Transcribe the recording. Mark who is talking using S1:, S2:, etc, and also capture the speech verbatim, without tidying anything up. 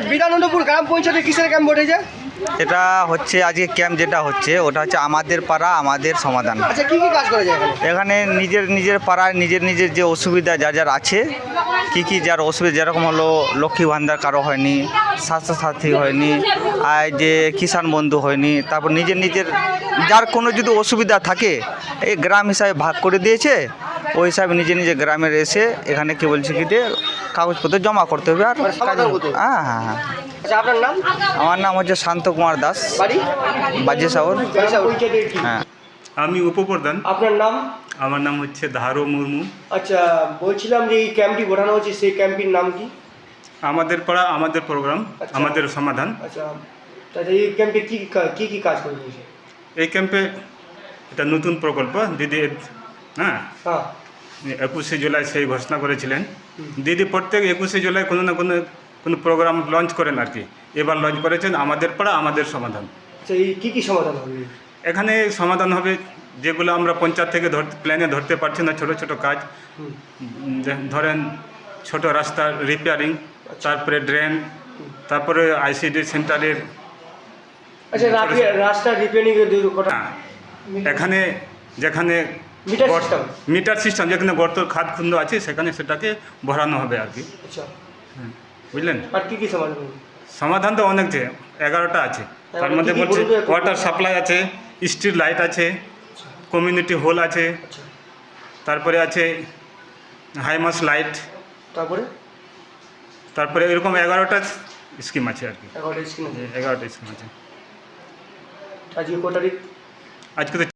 S1: বিধানন্দপুর গ্রাম পঞ্চায়েতে কিসের ক্যাম্প বসেছে?
S2: এটা হচ্ছে আজকে ক্যাম্প যেটা হচ্ছে ওটা হচ্ছে আমাদের পাড়া আমাদের সমাধান।
S1: আচ্ছা, কি কি কাজ করা যায় এখানে?
S2: এখানে নিজের নিজের পাড়ায় নিজের নিজের যে অসুবিধা যার যার আছে, কি কি যার অসুবিধা, যেরকম হলো লক্ষ্মী ভান্ডার কারো হয়নি, স্বাস্থ্যসাথী হয়নি, আর যে কিষাণ বন্ধু হয়নি, তারপর নিজের নিজের যার কোনো যদি অসুবিধা থাকে এই গ্রাম হিসাবে ভাগ করে দিয়েছে, ওই হিসাবে নিজে নিজে গ্রামের এসে এখানে কি বলছে কি দিয়ে কাগজপত্র জমা করতে হবে। আর
S1: সমাধান করতে হবে।
S2: হ্যাঁ হ্যাঁ হ্যাঁ
S1: আচ্ছা, আপনার নাম?
S2: আমার নাম হচ্ছে শান্ত কুমার দাস,
S1: বাড়ি?
S2: বাজে সাগর। হ্যাঁ।
S3: আমি উপপ্রধান।
S1: আপনার নাম?
S3: আমার নাম হচ্ছে ধারো মুর্মু।
S1: আচ্ছা, বলছিলাম যে এই ক্যাম্পটি গড়ানো হচ্ছে, সেই ক্যাম্পটির নাম কি?
S3: আমাদের পাড়া আমাদের প্রোগ্রাম,
S1: আচ্ছা।
S3: আমাদের সমাধান।
S1: আচ্ছা, তাহলে এই ক্যাম্পে কি কি কি কাজ করে দিয়েছে?
S3: এই ক্যাম্পে এটা নতুন প্রকল্প দিদি, হ্যাঁ,
S1: হ্যাঁ।
S3: একুশে জুলাই সেই ঘোষণা করেছিলেন দিদি। প্রত্যেক একুশে জুলাই কোনো না কোনো কোনো প্রোগ্রাম লঞ্চ করেন আর কি। এবার লঞ্চ করেছেন আমাদের পাড়া আমাদের সমাধান।
S1: আচ্ছা, এই কী কী সমাধান হবে?
S3: এখানে সমাধান হবে যেগুলো আমরা পঞ্চায়েত থেকে ধর প্ল্যানে ধরতে পারছি না, ছোট ছোট কাজ।
S1: হুম।
S3: যে- ধরেন ছোট রাস্তার রিপেয়ারিং, তারপরে ড্রেন, তারপরে আইসিডি সেন্টারের।
S1: আচ্ছা, রাপি- রাস্তা রিপেয়ারিংয়ের কথা।
S3: হ্যাঁ, এখানে যেখানে
S1: মিটার
S3: গর্ত-
S1: সিস্টেম।
S3: মিটার সিস্টেম যেখানে গর্ত খাদ খুন্দ আছে সেখানে সেটাকে ভরানো হবে আর কি।
S1: আচ্ছা,
S3: বুঝলেন?
S1: আর কী কী সমাধান হবে?
S3: সমাধান তো অনেক যে এগারোটা আছে। তার মধ্যে
S1: কি কি
S3: বলছে
S1: বলুন তো একটু?
S3: ওয়াটার সাপ্লাই আছে, স্ট্রিট লাইট আছে, কমিউনিটি হল আছে,
S1: আচ্ছা,
S3: তারপরে আছে হাইমাস লাইট,
S1: তারপরে
S3: তারপরে এরকম এগারোটা স্কিম আছে আর কি।
S1: এগারোটা স্ক্রিন আছে।
S3: এগারোটা স্কিম আছে।
S1: আজকে ক তারিখ?
S3: আজকে তো